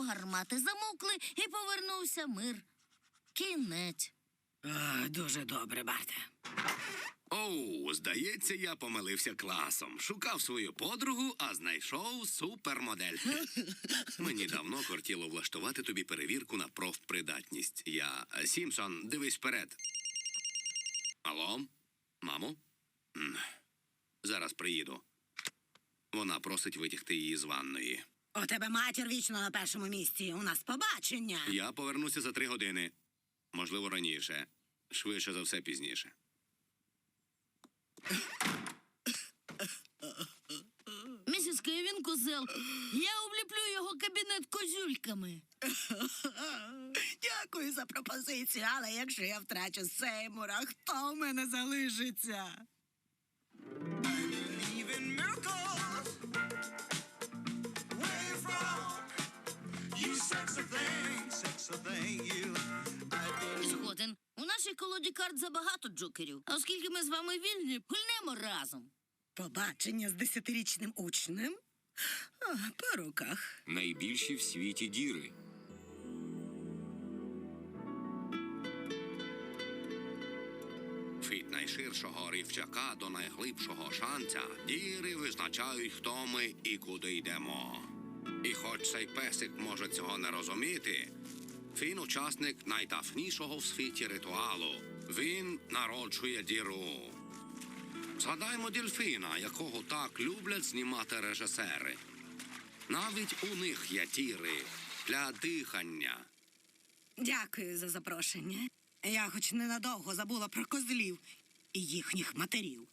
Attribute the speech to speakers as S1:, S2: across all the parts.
S1: гармати замовкли і повернувся мир. Кінець.
S2: Дуже добре, Барте.
S3: Оу, здається, я помилився класом. Шукав свою подругу, а знайшов супермодель. Мені давно кортіло влаштувати тобі перевірку на профпридатність. Сімпсон, дивись вперед. Алло? Мамо? Зараз приїду. Вона просить витягти її з ванної.
S2: У тебе матір вічно на першому місці. У нас побачення.
S3: Я повернуся за 3 години. Можливо, раніше. Швидше за все, пізніше.
S1: Місіс Кевін козел, я обліплю його кабінет козюльками.
S2: Дякую за пропозицію, але якщо я втрачу Сеймура, хто в мене залишиться?
S1: Згоден. У нашій колоді карт забагато джокерів. А оскільки ми з вами вільні, гульнемо разом.
S2: Побачення з 10-річним учнем? По руках.
S4: Найбільші в світі діри.
S3: Від найширшого рівчака до найглибшого шанця діри визначають, хто ми і куди йдемо. І хоч цей песик може цього не розуміти, він учасник найтафнішого в світі ритуалу. Він народжує діру. Згадаймо дельфіна, якого так люблять знімати режисери. Навіть у них є діри для дихання.
S2: Дякую за запрошення. Я хоч ненадовго забула про козлів і їхніх матерів.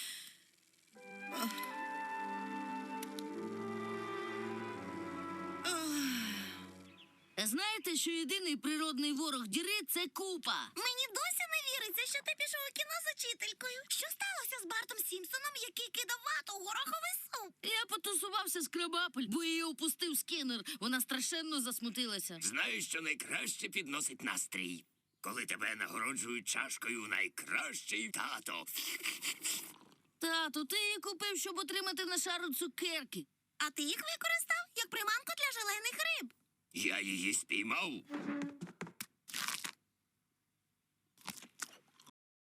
S1: Знаєте, що єдиний природний ворог діри – це купа?
S5: Мені досі не віриться, що ти пішов у кіно з учителькою. Що сталося з Бартом Сімпсоном, який кидав вату у гороховий суп?
S1: Я потусувався з Крабапель, бо її опустив Скіннер. Вона страшенно засмутилася.
S6: Знаю, що найкраще підносить настрій, коли тебе нагороджують чашкою найкращий тато.
S1: Тату, ти її купив, щоб отримати на шару цукерки.
S5: А ти їх використав як приманку для желейних риб.
S6: Я її спіймав.